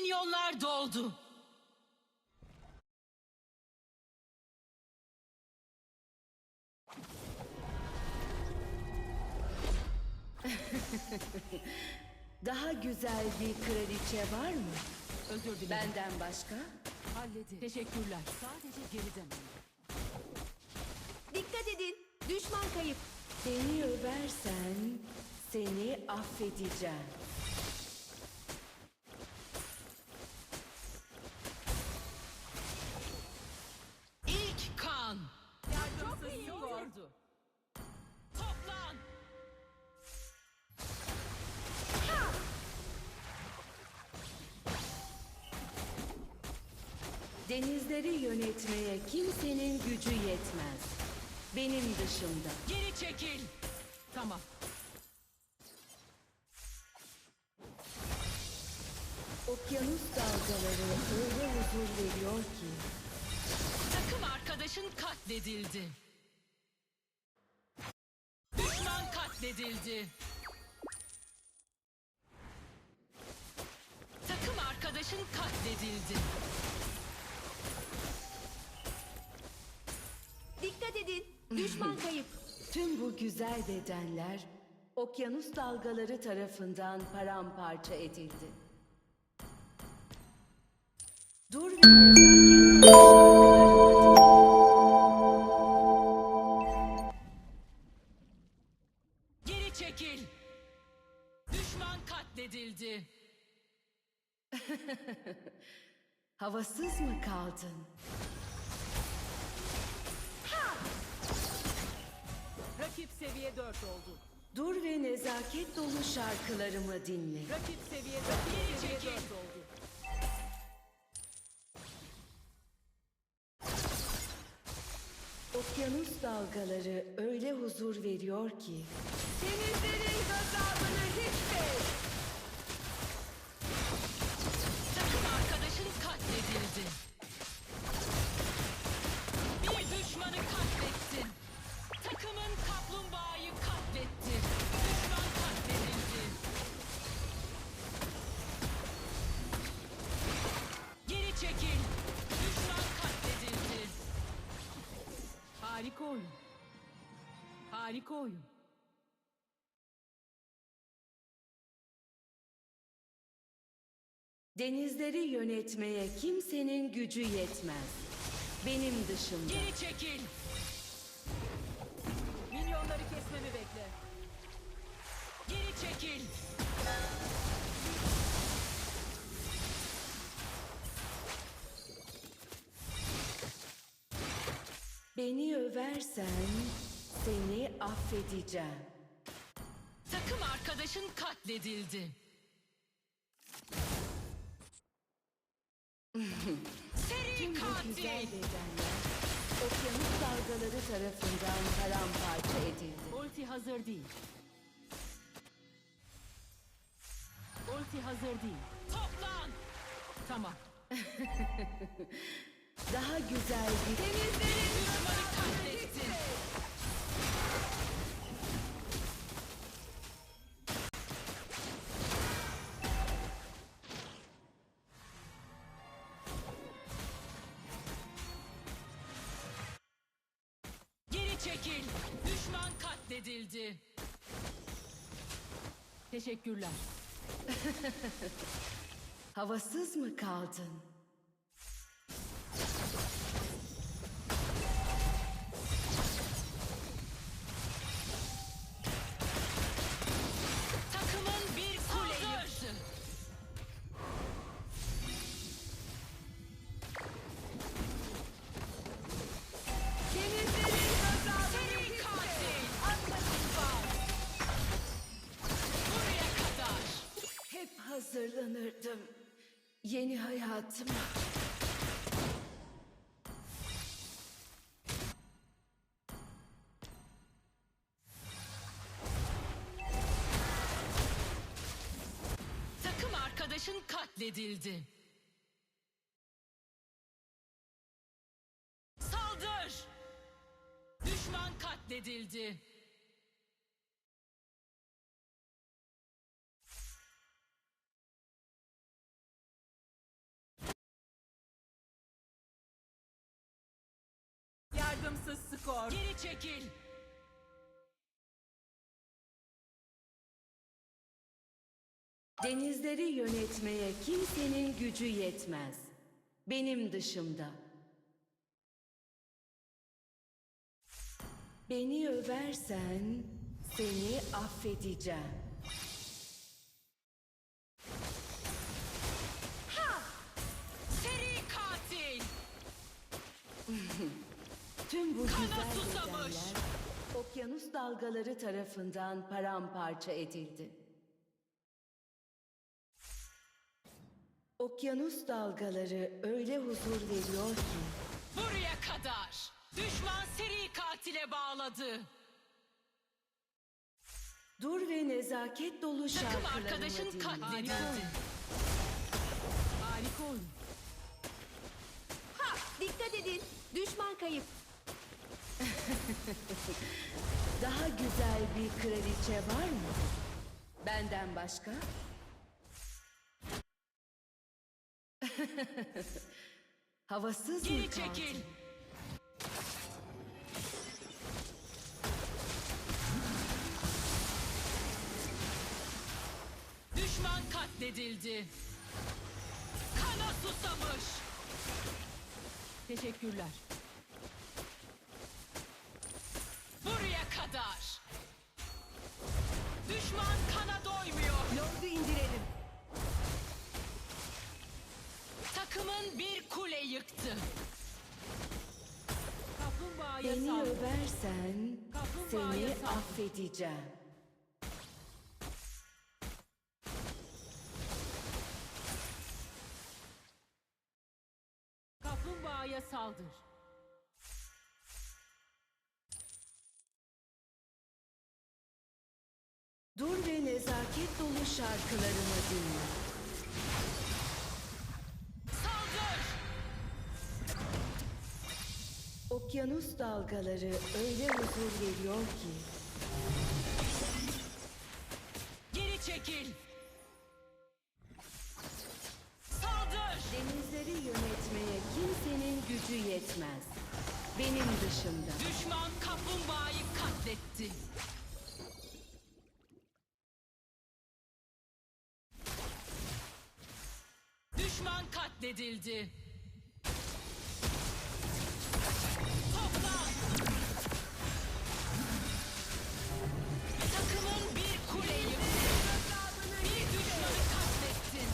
Minyonlar doldu. Daha güzel bir kraliçe var mı? Özür dilerim. Benden başka? Halledin. Teşekkürler. Sadece geriden alın. Dikkat edin. Düşman kayıp. Beni översen seni affedeceğim. İlk kan. Çok iyi oldu. Toplan. Denizleri yönetmeye kimsenin gücü yetmez. Benim dışımda. Geri çekil. Tamam. Okyanus dalgaları öyle huzur veriyor ki. Takım arkadaşın katledildi. Düşman katledildi. Takım arkadaşın katledildi. Dikkat edin. Düşman kayıp. Tüm bu güzel bedenler okyanus dalgaları tarafından paramparça edildi. Dur ve nezaket Geri çekil. Düşman katledildi. havasız mı kaldın? Rakip seviye 4 oldu. Dur ve nezaket dolu şarkılarımı dinle. Rakip seviye 4, seviye 4 oldu. Okyanus dalgaları öyle huzur veriyor ki. Denizlerin gazabını hiç Takım arkadaşın katledildi. Bir düşmanı katlettin. Takımın kaplumbağayı katletti. Düşman katledildi. Geri çekil. Düşman katledildi. Harika oyun. Harika oyun. Denizleri yönetmeye kimsenin gücü yetmez. Benim dışımda. Geri çekil. Minyonları kesmemi bekle. Geri çekil. Beni översen seni affedeceğim. Takım arkadaşın katledildi. Seri Tüm bu güzel katil. bedenler okyanus dalgaları tarafından paramparça edildi. Ulti hazır değil. Ulti hazır değil. Toplan. Tamam. Daha güzel bir Düşmanı katlettin. Geri çekil. Düşman katledildi. Teşekkürler. havasız mı kaldın? Takımın bir kule yıktı. Denizlerin gazabını Seri katil. Buraya kadar. Hep hazırlanırdım yeni hayatıma. Takım arkadaşın katledildi. Saldır! Düşman katledildi. Takımsız skor. Geri çekil. Denizleri yönetmeye kimsenin gücü yetmez. Benim dışımda. Beni översen seni affedeceğim. Seri katil. Tüm bu Kana güzel susamış. bedenler okyanus dalgaları tarafından paramparça edildi. Okyanus dalgaları öyle huzur veriyor ki Buraya kadar. Düşman seri katile bağladı. dur ve nezaket dolu Takım şarkılarımı arkadaşın dinle. katledildi. Harika oyun. Ha! Dikkat edin. Düşman kayıp. Daha güzel bir kraliçe var mı? Benden başka? Havasız mı Geri kaldın? çekil. Düşman katledildi. Kana susamış. Teşekkürler. Buraya kadar. Düşman kana doymuyor. Lord'u indirelim. Takımın bir kule yıktı. Kaplumbağaya Beni saldır. översen Kaplumbağaya seni saldır. affedeceğim. Kaplumbağaya saldır. Dur ve nezaket dolu şarkılarımı dinle. Saldır. Okyanus dalgaları öyle huzur veriyor ki Geri çekil. Saldır. denizleri yönetmeye kimsenin gücü yetmez. Benim dışımda. Düşman kaplumbağayı katletti. Düşman katledildi. Toplan. Takımın bir kule yıktı. Bir düşmanı katlettin.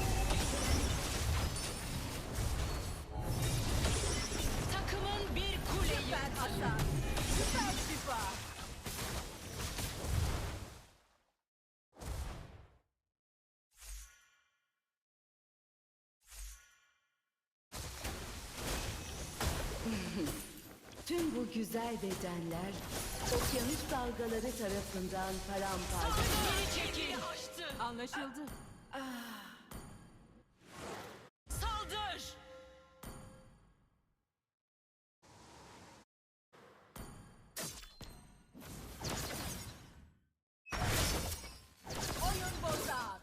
Takımın bir kule yıktı. Süper şifa. Tüm bu güzel bedenler okyanus dalgaları tarafından paramparça. Geri çekil. Anlaşıldı. Saldır. Oyun bozar.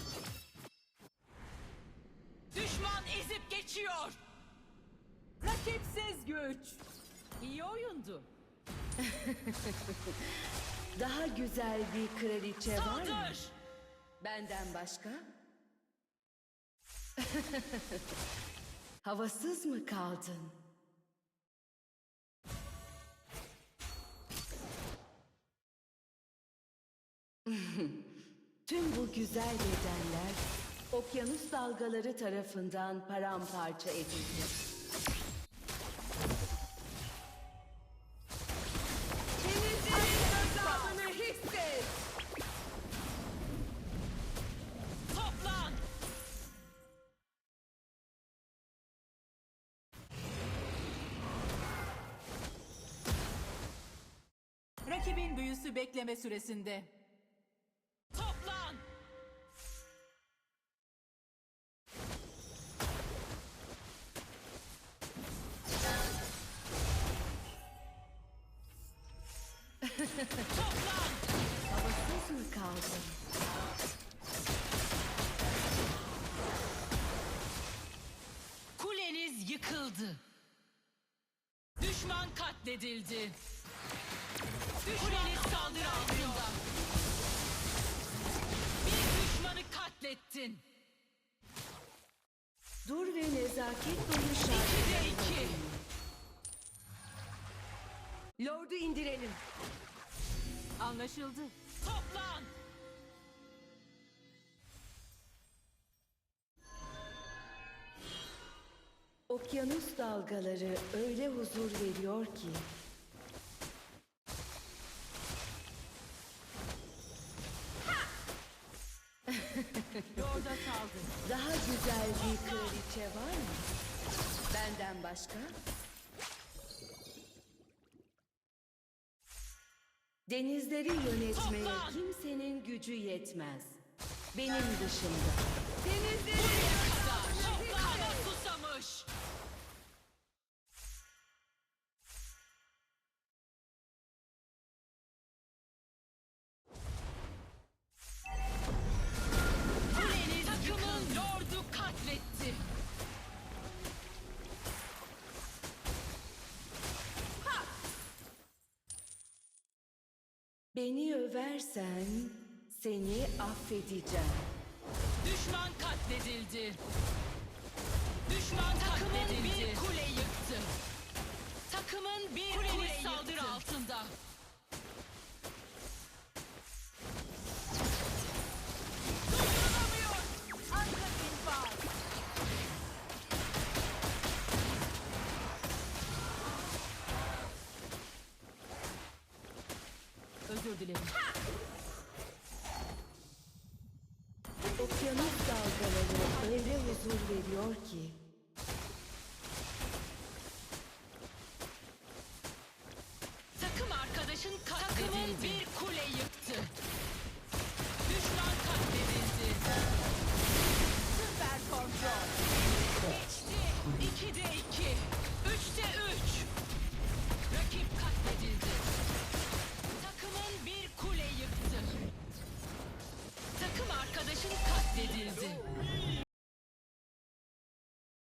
Düşman ezip geçiyor. Rakipsiz güç. İyi oyundu. Daha güzel bir kraliçe var mı? Saldır. Benden başka? Havasız mı kaldın? Tüm bu güzel bedenler okyanus dalgaları tarafından paramparça edildi. Denizlerin gazabını hisset. Toplan. Rakibin büyüsü bekleme süresinde. Toplan. Toplan. Havasız mı kaldın? Kuleniz yıkıldı. Düşman katledildi. katledildi. Düşmanın saldırı altında. Bir düşmanı katlettin. Dur ve nezaket dolu şarkı. 2'de 2. Lord'u indirelim. Anlaşıldı. Toplan. Okyanus dalgaları öyle huzur veriyor ki. Lord'a saldır. Daha güzel bir kraliçe var mı? Benden başka? Denizleri yönetmeye Toplan! kimsenin gücü yetmez. Benim dışımda. Buraya kadar. Kana susamış. Kuleniz takımın lordu katletti. Beni översen seni affedeceğim. Düşman katledildi. Düşman takımın bir kule yıktı. Takımın bir kule saldırı altında. Durdurulamıyor. Arka infaz. Özür dilerim. Okyanus dalgaları öyle huzur veriyor ki.